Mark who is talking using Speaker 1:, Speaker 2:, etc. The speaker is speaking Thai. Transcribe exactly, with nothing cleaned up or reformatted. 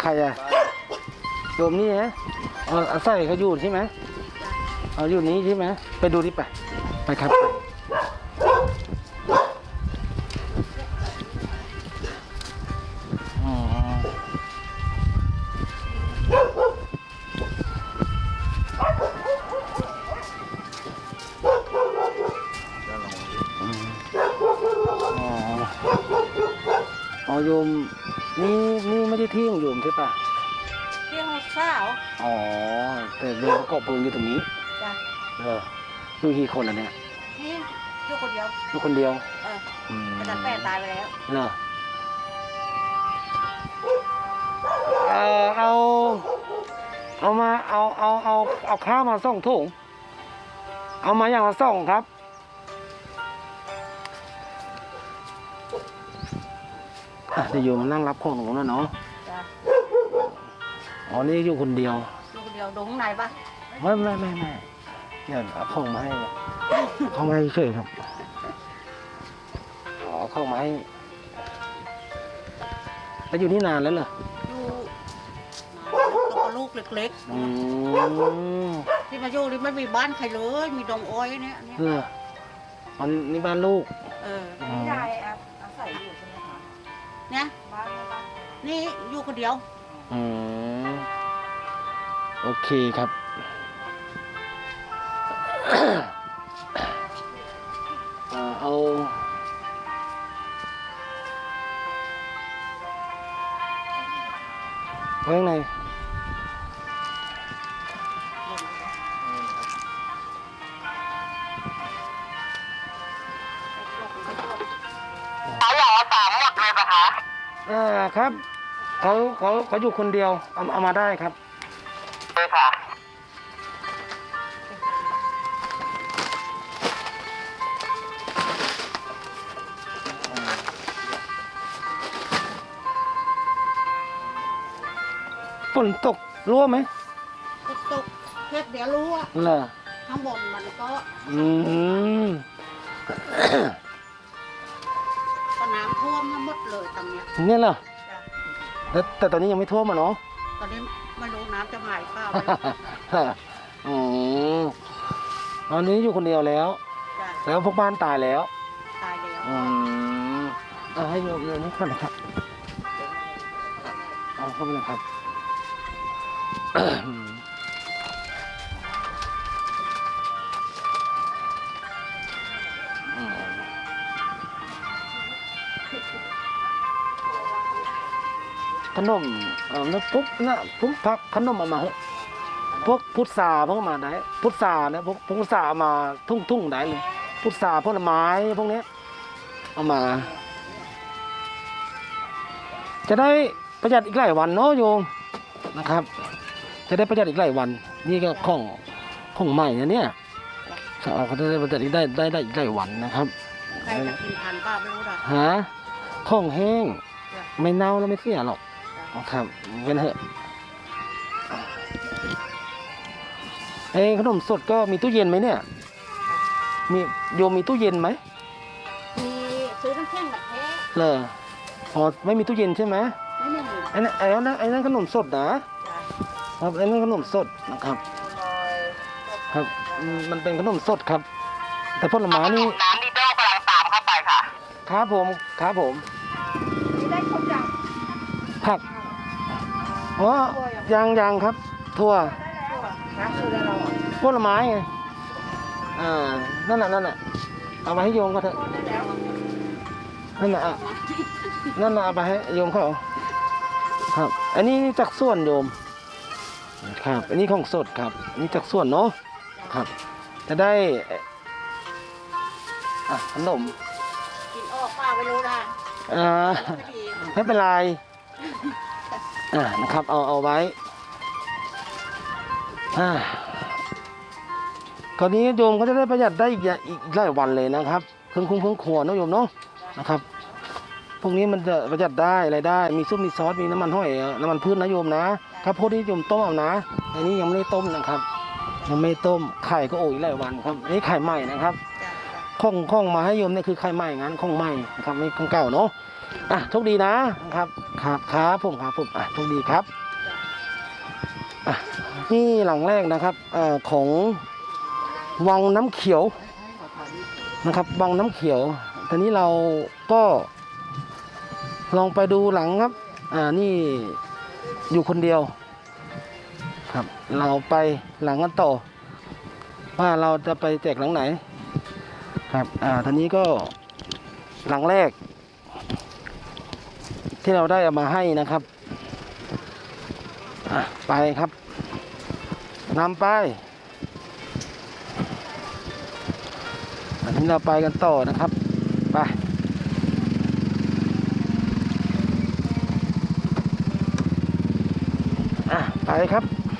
Speaker 1: ใครอะโยมนี่ฮะเอาเอาใส่เขาอยู่ใช่ไหมเอาอยู่นี้ใช่ไหมไปดูดิไปไปครับอ๋ออ๋อโยมนี่นี่ไม่ใช่ที่ของโยมใช่ปะ
Speaker 2: ที่ห้องข้าว
Speaker 1: อ๋อแต่โยมประกอบเพลิงอยู่ตรงนี้
Speaker 2: จ้ะ
Speaker 1: เอออยู่กี่คนล่ะเนี่ย
Speaker 2: นี่อยู่คนเดียว
Speaker 1: อยู่คนเดียว
Speaker 2: เออ
Speaker 1: อืม
Speaker 2: อาจารย์แป้ตายไปแล้ว
Speaker 1: เหรอเออเอาเอามาเอาเอาเอาเอาข้าวมาส่งถุงเอามาอย่างละส่งครับอ่ะเดี๋ยวโยมมานั่งรับของตรงนั้นเนาะ
Speaker 2: จ้ะ
Speaker 1: อ๋อนี่อยู่คนเดียว
Speaker 2: อยู่คนเดียวดูข้างในปะ
Speaker 1: ไม่ไม่ไม่ไม่เนี่ยเอาของมาให้เอาของมาให้เฉยครับอ๋อเอาของมาให้แล้วอยู่นี่นานแล้วเหรอ
Speaker 2: อยู่แล้วก็ลูกเล็ก
Speaker 1: อืม
Speaker 2: ๆที่มาอยู่นี่ไม่มีบ้านใครเลยมีดงอ้อยเนี่ยเนี่ย
Speaker 1: เหรออันนี้บ้านลูก
Speaker 2: เออ
Speaker 1: อ๋อ
Speaker 3: ยายอาศัยอยู่ใช่ไหมคะ
Speaker 2: เนี่ย
Speaker 3: บ้านบ้าน
Speaker 2: นี่อยู่คนเดียว
Speaker 1: อืมโอเคครับ เอ่อเอาไว้ข้างในเขาบอกว่าสามหมดเลยปะคะอ่าครับเขาเขาเขาอยู่คนเดียวเอาเอามาได้ครับเลยค่ะฝนตกรั่วไหม
Speaker 2: ตกตกเพื่อเดี๋ยวรู้ว่า
Speaker 1: เหรอ
Speaker 2: ข้างบนมันก็
Speaker 1: อืม
Speaker 2: ก็น้ำท่วมทั้งหมดเลยตรงเนี้ย
Speaker 1: เนี่ยเหรอ
Speaker 2: จ้ะ
Speaker 1: แล้วแต่ตอนนี้ยังไม่ท่วมอ่ะเนาะ
Speaker 2: ตอนนี้ไม่รู้น้ำจะมาหรือเปล่า
Speaker 1: อ๋อตอนนี้อยู่คนเดียวแล้ว
Speaker 2: จ้ะ
Speaker 1: แล้วพวกบ้านตายแล้ว
Speaker 2: ตายแล้ว
Speaker 1: อืมเอาให้โยมโยมนี่ก่อนนะครับเอาเข้าไปเลยครับอืมขนมเออแล้วปุ๊บนะปุ๊บพักขนมเอามาเหอะพวกพุทราพวกมาได้พุทราเนี่ยพวกพวกพุทราเอามาทุ่งทุ่งได้เลยพุทราผลไม้พวกเนี้ยเอามา จะได้ประหยัดอีกหลายวันเนาะโยมนะครับ จะได้ประหยัดอีกหลายวัน นี่ก็ของของใหม่นะเนี่ยเขาจะได้ประหยัดอีกได้ได้ได้อีกหลายวันนะครับ
Speaker 2: ใครจะกินทันป้าไม่รู้นะ
Speaker 1: หาของแห้งไม่เน่าแล้วไม่เสียหรอกนะครับเป็นเถอะเอ้ขนมสดก็มีตู้เย็นไหมเนี่ยมีโยมมีตู้เย็นไหม
Speaker 2: มีซื้อน้ำแข็งแบบแท้
Speaker 1: เหรออ๋อไม่มีตู้เย็นใช่ไหม
Speaker 2: ไม่ไม่มี
Speaker 1: ไอ้นั่นไอ้นั่นไอ้นั่นขนมสดนะ
Speaker 2: จ้ะ
Speaker 1: ครับไอ้นั่นขนมสดนะครับ ครับอืมมันเป็นขนมสดครับ แต่ผลไม้นี่น้ำดีโด้กำลังตามเข้าไปค่ะครับผมครับผม
Speaker 3: นี่ได้ครบยัง
Speaker 1: ผักอ๋อยังยังครับถั่ว
Speaker 3: นะคือแล้วเรา
Speaker 1: ผลไม้ไงอ่านั่นน่ะนั่นน่ะเอามาให้โยมก็เถอะ
Speaker 3: ได้แล้ว
Speaker 1: นั่นน่ะอ่ะนั่นน่ะเอาไปให้โยมเขาครับ อันนี้จากส่วนโยมครับ อันนี้ของสดครับอันนี้จากส่วนเนาะครับ จะได้อ่ะขนม
Speaker 2: กินออกป้าไม่รู้นะ
Speaker 1: อ่า
Speaker 2: ไม่ดี
Speaker 1: ไม่เป็นไรอ่านะครับเอาเอาไว้อ่าคราวนี้โยมก็จะได้ประหยัดได้อีกอย่างอีกหลายวันเลยนะครับเครื่องคุ้งเครื่องครัวเนอะโยมเนาะนะครับพวกนี้มันจะประหยัดได้อะไรได้มีซุปมีซอสมีน้ำมันห้อยน้ำมันพืชนะโยมนะข้าวโพดที่โยมต้มเอานะอันนี้ยังไม่ได้ต้มนะครับยังไม่ต้มไข่ก็โอ้ยหลายวันครับอันนี้ไข่ใหม่นะครับ
Speaker 2: จ้ะจ้ะ
Speaker 1: ข้องข้องมาให้โยมเนี่ยคือไข่ใหม่งั้นข้องใหม่นะครับไม่ข้องเก่าเนาะอ่ะโชคดีนะครับครับครับผมครับผมอ่ะโชคดีครับอ่ะนี่หลังแรกนะครับเอ่อของวังน้ำเขียวนะครับวังน้ำเขียวตอนนี้เราก็ลองไปดูหลังครับอ่านี่อยู่คนเดียวครับเราไปหลังกันต่อว่าเราจะไปแจกหลังไหนครับอ่าตอนนี้ก็หลังแรกที่เราได้เอามาให้นะครับอ่ะไปครับนำไปอันนี้เราไปกันต่อนะครับไปอ่ะไปครับ